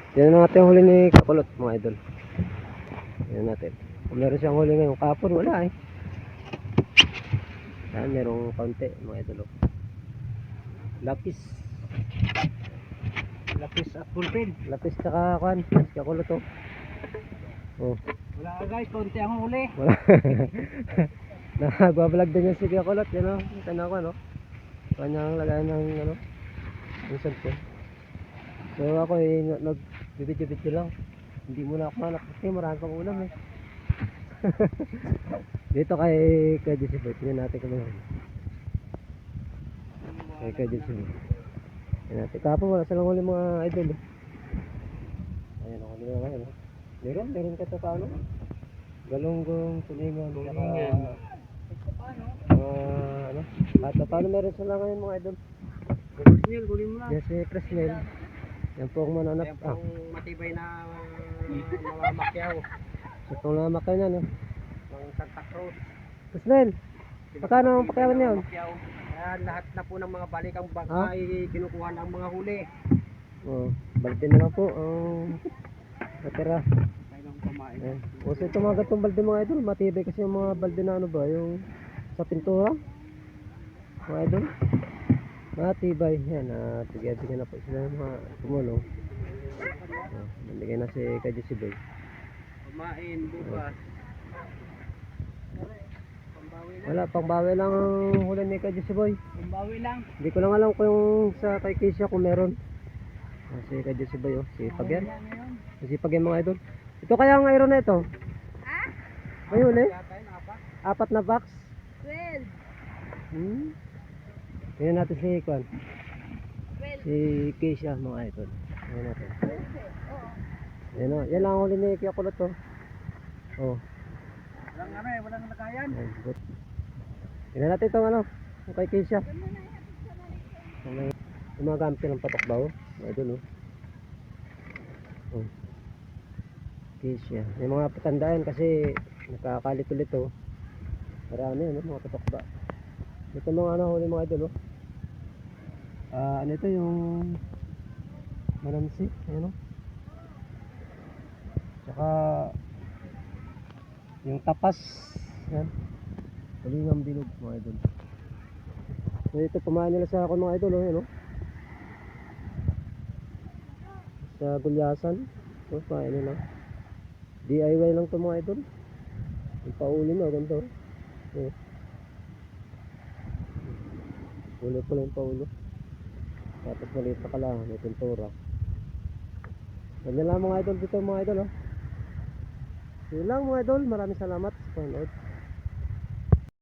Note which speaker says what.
Speaker 1: Tignan natin yung huli ni Kakulot mga idol. Tignan natin. Kung meron siyang huli ngayon, kapon wala eh. Yan, merong kaunti mga idol. Lapis.
Speaker 2: Lapis at pulpin.
Speaker 1: Lapis tsaka kuan, Kakulot oh. Oh.
Speaker 2: Wala ka guys, konti ang huli.
Speaker 1: Wala. Nagbablog din yung si Kakulot, yan oh. Tanaw ko no. Kanyang lagayan ng ano. Yung cellphone. So ako eh, nagbibidyo-bidyo lang. Hindi muna ako manap kasi marami pang ulam eh. Dito kay Jesse Boy, tingnan natin kung meron. Kay Jesse Boy. Tingnan natin. Kapon wala silang huli mga idol eh. Ayan ako nila ngayon. Meron ka ito paano? Galunggong, tulingan, saka ano? At paano meron sila ngayon mga idol?
Speaker 2: Presnel, kunin mo na.
Speaker 1: Yes, Presnel. Yan po ang mananap.
Speaker 2: Yan pong matibay na mga makyaw
Speaker 1: So itong lamak ka niyan.
Speaker 2: ng Santa Cruz.
Speaker 1: Presnel, magkano ang pakyawan niyon?
Speaker 2: Makyaw. Ayan, lahat na po ng mga balikang bangka
Speaker 1: Ah?
Speaker 2: ay kinukuha ng mga huli.
Speaker 1: Oh, balde na lang po ang natira.
Speaker 2: Kailang kumain.
Speaker 1: Ayan. O so itong mga gatong balde mga idol, matibay kasi yung mga balde na ano ba, yung sa pintura. Mga idol. Matibay. Yan, tigyan na po sila ng mga tumulong. Nandagay na si Jesse Boy.
Speaker 2: Kumain bukas. Pambawi lang.
Speaker 1: Wala, pangbawi lang ang huli ni Jesse Boy.
Speaker 2: Pambawi lang.
Speaker 1: Hindi ko lang alam kung yung sa kay Keisha kung meron. Si Jesse Boy, oh. Sipag yan. Sipag yan mga idol. Ito kaya ang iron na ito?
Speaker 3: Ha?
Speaker 1: May huli?
Speaker 2: Yata yun, apat.
Speaker 1: Apat na box?
Speaker 3: 12.
Speaker 1: Tingnan natin si Kwan.
Speaker 3: 12.
Speaker 1: Si Keisha mga idol. Tingnan natin.
Speaker 3: Oo.
Speaker 1: Yan o. Yan lang ang huli ni Kakulot to. Oh.
Speaker 2: Walang ano eh, walang lagayan.
Speaker 1: Ayan, good. Tingnan natin itong ano. Yung kay Keisha. Yung mga gamit ng patok ba oh. Mga idol oh. Oh. Keisha. Yung mga patandaan kasi nakakalit ulit oh. Marami ano, mga patok ba. Ito mga ano huli mga idol oh. Ano ito yung malamsi. Ayan oh. Tsaka yung tapas. Yan. Tulingang bilog mga idol. So ito pumain nila sa ako mga idol oh. Yan oh. Sa gulyasan. So pain nila. DIY lang to mga idol. Yung pauli mo ganito oh. Oh. Ulo pala yung paulo. Tapos maliit na kala, may pintura. Ganyan lang mga idol dito mga idol oh. Yun lang mga idol, maraming salamat sa panonood.